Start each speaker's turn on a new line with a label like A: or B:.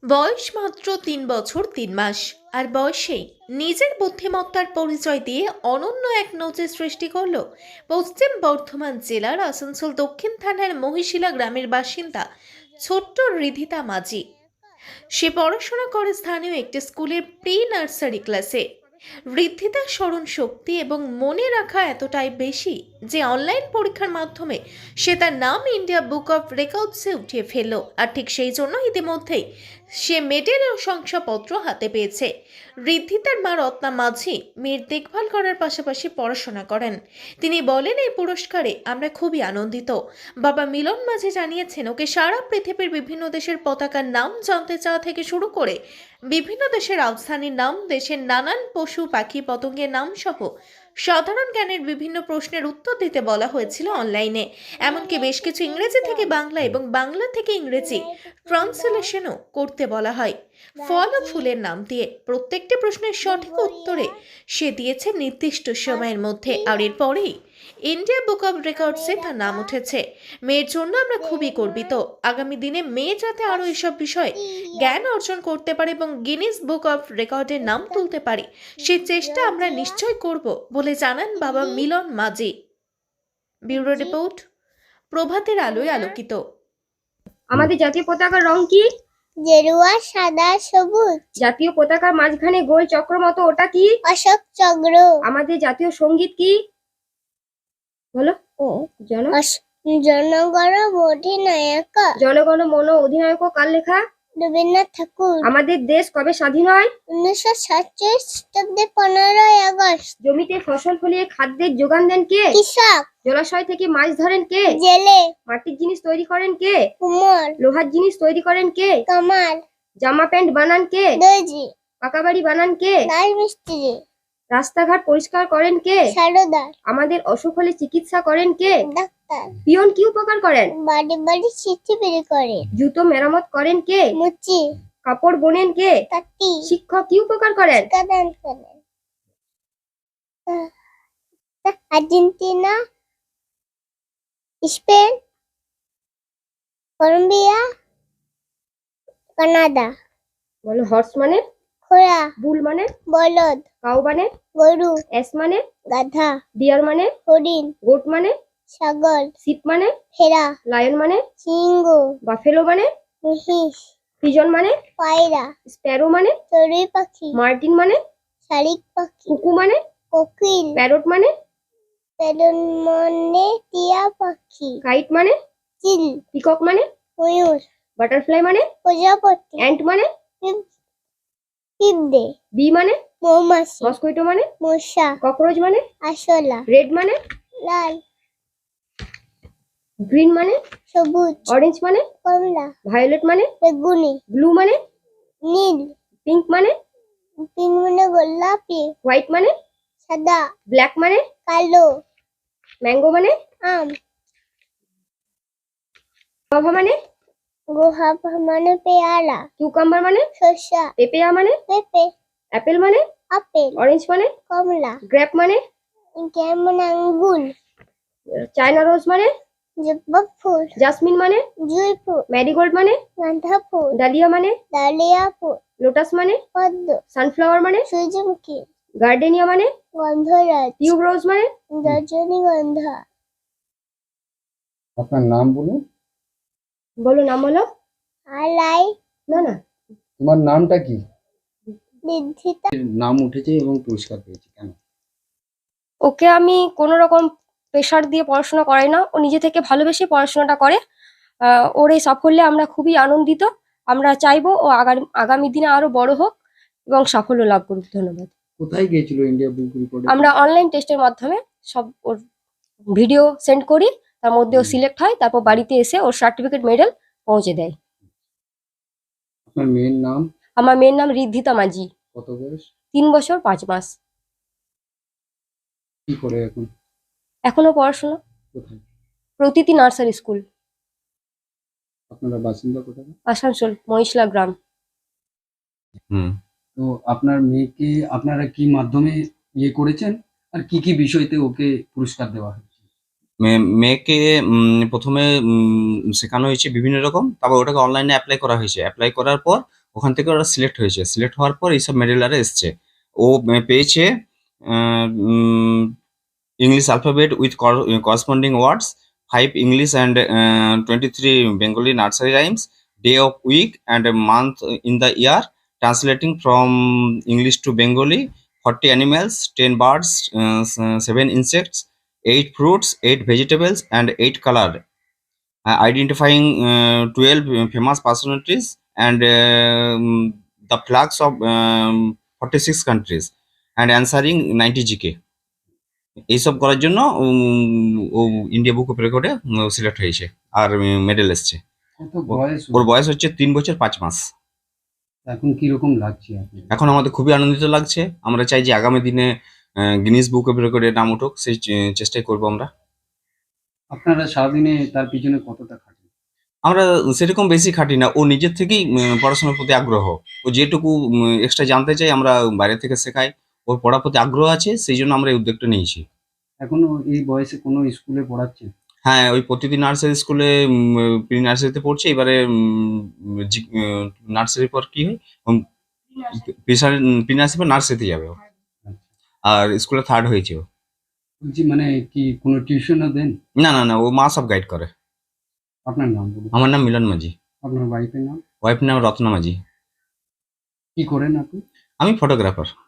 A: বয়স মাত্র ৩ বছর ৩ মাস, আর বয়সেই নিজের বুদ্ধিমত্তার পরিচয় দিয়ে অনন্য এক নজির সৃষ্টি করল পশ্চিম বর্ধমান জেলার আসানসোল দক্ষিণ থানার মহিশিলা গ্রামের বাসিন্দা ছোট্ট রিধিতা মাঝি। সে পড়াশোনা করে স্থানীয় একটি স্কুলের প্রি নার্সারি ক্লাসে। ঋদ্ধিতার স্মরণ শক্তি এবং মনে রাখা এতটাই বেশি যে অনলাইন পরীক্ষার মাধ্যমে সে তার নাম ইন্ডিয়া বুক অফ রেকর্ডসে উঠিয়ে ফেলল। আর ঠিক সেই জন্য ইতিমধ্যেই সে মেডেল ও শংসাপত্র হাতে পেয়েছে। ঋদ্ধিতার মা রত্না মাঝি মেয়ের দেখভাল করার পাশাপাশি পড়াশোনা করেন। তিনি বলেন, এই পুরস্কারে আমরা খুবই আনন্দিত। বাবা মিলন মাঝি জানিয়েছেন, ওকে সারা পৃথিবীর বিভিন্ন দেশের পতাকার নাম জানতে চাওয়া থেকে শুরু করে বিভিন্ন দেশের রাজধানীর নাম, দেশের নানান পশু পাখি পতঙ্গের নাম সহ সাধারণ জ্ঞানের বিভিন্ন প্রশ্নের উত্তর দিতে বলা হয়েছিল অনলাইনে। এমনকি বেশ কিছু ইংরেজি থেকে বাংলা এবং বাংলা থেকে ইংরেজি ট্রান্সলেশনও করতে বলা হয় ফল ও ফুলের নাম দিয়ে। প্রত্যেকটি প্রশ্নের সঠিক উত্তরে সে দিয়েছে নির্দিষ্ট সময়ের মধ্যে, আর এরপরেই ইন্ডিয়া বুক অব রেকর্ডসে তার নাম উঠেছে। মেয়ের জন্য আমরা খুবই গর্বিত। আগামী দিনে মেয়ে যাতে আরও এসব বিষয়ে জ্ঞান অর্জন করতে পারে এবং গিনিস বুক অফ রেকর্ডের নাম তুলতে পারে, সেই চেষ্টা আমরা নিশ্চয় করব বলে জানান বাবা মিলন মাঝি। ব্যুরো রিপোর্ট, প্রভাতের আলোয় আলোকিত।
B: আমাদের জাতীয় পতাকার রং কি?
C: গেরুয়া, সাদা, সবুজ।
B: জাতীয় পতাকার মাঝখানে গোল চক্র মতো ওটা কি?
C: অশোক চক্র।
B: আমাদের জাতীয় সঙ্গীত কি? বলো।
C: জনগণ অধিনায়ক।
B: জনগণ মন অধিনায়ক কার লেখা?
C: রবীন্দ্রনাথ ঠাকুর।
B: আমাদের দেশ কবে স্বাধীন হয়?
C: 1947 খ্রিস্টাব্দে 15ই আগস্ট।
B: জমিতে ফসল ফলিয়ে খাদ্যের যোগান দেন কে?
C: কৃষক।
B: জলাশয় থেকে মাছ ধরেন কে?
C: জেলে।
B: মাটির জিনিস তৈরি করেন কে?
C: কুমোর।
B: লোহার জিনিস তৈরি করেন কে?
C: কামার।
B: জামা প্যান্ট বানান কে?
C: দর্জি।
B: পাকা বাড়ি বানান কে?
C: রাজমিস্ত্রি।
B: রাস্তাঘাট পরিষ্কার করেন কে?
C: সারদার।
B: আমাদের অসুখ হলে চিকিৎসা করেন কে?
C: ডাক্তার।
B: পিয়ন কি উপকার করেন?
C: বাড়ি বাড়ি চিঠি বের করে।
B: জুতো মেরামত করেন কে?
C: মুচি।
B: কাপড় বোনেন কে?
C: তাঁতি।
B: শিক্ষক কি উপকার করেন?
C: কাদান করেন। Argentina, Spain, Colombia, Canada.
B: বলো। হর্স মানে?
C: ঘোড়া।
B: বুল মানে?
C: বলদ।
B: কাউ মানে?
C: গরু।
B: এস মানে?
C: গাধা।
B: ডিয়ার মানে?
C: হরিণ।
B: গোট মানে?
C: ছাগল।
B: শিপ মানে?
C: ভেড়া।
B: লায়ন মানে?
C: সিংহ।
B: বাফেলো মানে?
C: মহিষ।
B: পিজন মানে?
C: পায়রা।
B: স্প্যারো মানে?
C: চড়ুই পাখি।
B: মার্টিন মানে?
C: শালিক পাখি।
B: কুকু মানে?
C: কোকিল।
B: প্যারট মানে?
C: বেলুন মানে টিয়া পাখি।
B: কাইট মানে?
C: চিল।
B: পিকক মানে?
C: ময়ূর।
B: বাটারফ্লাই মানে?
C: প্রজাপতি।
B: অ্যান্ট মানে?
C: পিঁপড়ে।
B: বি মানে?
C: মৌমাছি।
B: মস্কুইটো মানে?
C: মশা।
B: ককরোচ মানে?
C: আরশোলা।
B: রেড মানে?
C: লাল।
B: গ্রিন মানে?
C: সবুজ।
B: অরেঞ্জ মানে?
C: কমলা।
B: ভায়োলেট মানে?
C: বেগুনি।
B: ব্লু মানে?
C: নীল।
B: পিঙ্ক মানে?
C: পিঙ্ক মানে গোলাপি।
B: হোয়াইট মানে?
C: সাদা।
B: ব্ল্যাক মানে?
C: কালো।
B: ম্যাঙ্গো মানে?
C: আম।
B: গুয়াভা মানে?
C: গুয়াভা মানে পেয়ারা।
B: কিউকাম্বার মানে?
C: শসা।
B: পেপেয়া মানে?
C: পেঁপে।
B: অ্যাপেল মানে?
C: আপেল।
B: অরেঞ্জ মানে?
C: কমলা।
B: গ্রেপ মানে?
C: গ্রেপ মানে আঙ্গুর।
B: চায়না রোজ মানে?
C: জবা ফুল।
B: জাসমিন মানে?
C: জুঁই ফুল।
B: ম্যারিগোল্ড মানে?
C: গাঁদা ফুল।
B: ডালিয়া মানে?
C: ডালিয়া ফুল।
B: লোটাস মানে?
C: পদ্ম।
B: সানফ্লাওয়ার মানে?
C: সূর্যমুখী।
B: গার্ডেনিয়া মানে?
C: গন্ধরাজ।
B: টিউব রোজ মানে?
C: রজনীগন্ধা।
D: আপনার নাম বলুন।
B: বলো, নাম বলো।
C: আলাই।
B: না।
D: তোমার নামটা কি?
C: ঋদ্ধিতা।
D: নাম উঠেছে এবং পুরস্কার পেয়েছে কেন?
B: ওকে আমি কোনো রকম প্রেশার দিয়ে পড়াশোনা করাই না, ও নিজে থেকে ভালোবেসে পড়াশোনাটা করে। ওর এই সাফল্যে আমরা খুবই আনন্দিত। আমরা চাইবো ও আগামী দিনে আরো বড় হোক এবং সাফল্য লাভ করুক। ধন্যবাদ।
D: কোথায় গিয়েছিল ইন্ডিয়া বুক রেকর্ডে?
B: আমরা অনলাইন টেস্টের মাধ্যমে সব ওর ভিডিও সেন্ড করি, তার মধ্যে ও সিলেক্ট হয়, তারপর বাড়িতে এসে ওর সার্টিফিকেট মেডেল পৌঁছে দেয়।
D: আপনার মেয়ের নাম?
B: আমার মেয়ের নাম ঋদ্ধিতা মাঝি।
D: কত বয়স?
B: 3 বছর 5 মাস।
D: কি করে এখন?
B: এখনো পড়াশোনা।
D: কোথায়?
B: প্রতিটি নার্সারি স্কুল।
D: আপনারা বাসিন্দা কোথায়?
B: আসানসোল মহিশিলা গ্রাম।
D: তো আপনার মেয়েকে আপনারা কি মাধ্যমে ইয়ে করেছেন, আর কি কি বিষয়তে ওকে পুরস্কার দেওয়া হয়েছে?
E: মেয়েকে প্রথমে শেখানো হয়েছে বিভিন্ন রকম, তারপর ওটাকে অনলাইনে অ্যাপ্লাই করা হয়েছে। অ্যাপ্লাই করার পর ওখান থেকে ওরা সিলেক্ট হয়েছে, সিলেক্ট হওয়ার পর এইসব মেডেল আরে এসছে। ও পেয়েছে English alphabet with corresponding words, 5 English and 23 Bengali nursery rhymes, day of week and a month in the year, translating from English to Bengali, 40 animals, 10 birds, 7 insects, 8 fruits, 8 vegetables, and 8 color, identifying 12 famous personalities and the flags of 46 countries, and answering 90 GK. এইসব করার জন্য ও India book of রেকর্ডে select হয়েছে আর medal এসছে।
D: কত বয়স
E: ওর বয়স হচ্ছে 3 বছর 5 মাস।
D: এখন কি রকম লাগছে আপনার?
E: এখন আমাদের খুবই আনন্দিত লাগছে। আমরা চাই যে আগামী দিনে গিনিস বুক অফ রেকর্ডে নাম উঠুক, সেই চেষ্টাই করবো আমরা।
D: আপনারা সারাদিনে তার পিছনে কতটা খাটেন?
E: আমরা সেরকম বেশি খাটি না, ও নিজের থেকেই পড়াশোনার প্রতি আগ্রহ। ও যেটুকু এক্সট্রা জানতে চাই আমরা বাইরে থেকে শেখাই। ওর পড়ার প্রতি আগ্রহ আছে, সেই জন্য আমরা এই উদ্যোগটা নিয়েছি।
D: এখনো এই বয়সে কোনো স্কুলে পড়াচ্ছেন?
E: হ্যাঁ, ওই প্রতিদিন নার্সারি স্কুলে প্রি নার্সারিতে পড়ছে। এবারে নার্সারির পর কি হয়, প্রি নার্সারি পর নার্সারিতে যাবে ও। আর স্কুলে 3rd হয়েছে ও।
D: বলছি মানে কি কোনো টিউশনও দেন?
E: না না না, ও মা সব গাইড করে।
D: আপনার নাম বলুন।
E: আমার নাম মিলন মাঝি।
D: আপনার ওয়াইফের নাম?
E: ওয়াইফ নাম রত্না মাঝি।
D: কি করেন আপনি?
E: আমি ফটোগ্রাফার।